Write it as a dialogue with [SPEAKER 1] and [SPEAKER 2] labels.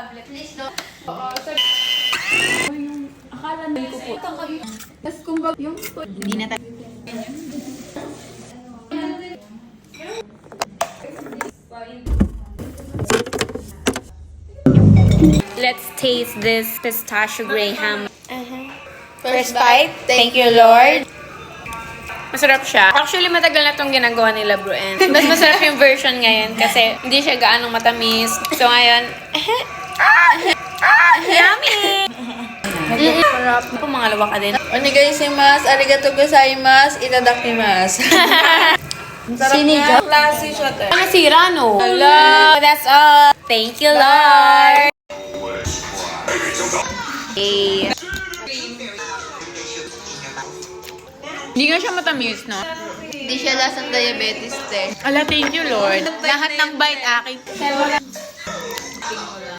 [SPEAKER 1] tablet. Please don't.
[SPEAKER 2] Oo, sorry. Akala na ko po. Tapos kumbaga yung...
[SPEAKER 1] Hindi na tayo. Let's taste this pistachio graham. First bite. Thank you, Lord. Masarap siya. Actually, matagal na itong ginagawa nila, bro. And mas masarap yung version ngayon kasi hindi siya gaanong matamis. So, ngayon, yummy! Sarap. Pumangalawa ka din.
[SPEAKER 3] Onegaishimasu, arigatou gozaimasu, itadakimasu.
[SPEAKER 2] Sinigang?
[SPEAKER 3] Klase siya, te.
[SPEAKER 1] Nasira, no? Hello! That's all. Thank you, Lord. Hey.
[SPEAKER 2] Hindi nga siya matamis, no?
[SPEAKER 3] Hindi siya lasang diabetes, te.
[SPEAKER 2] Ala, thank you, Lord.
[SPEAKER 1] Lahat ng bite akin.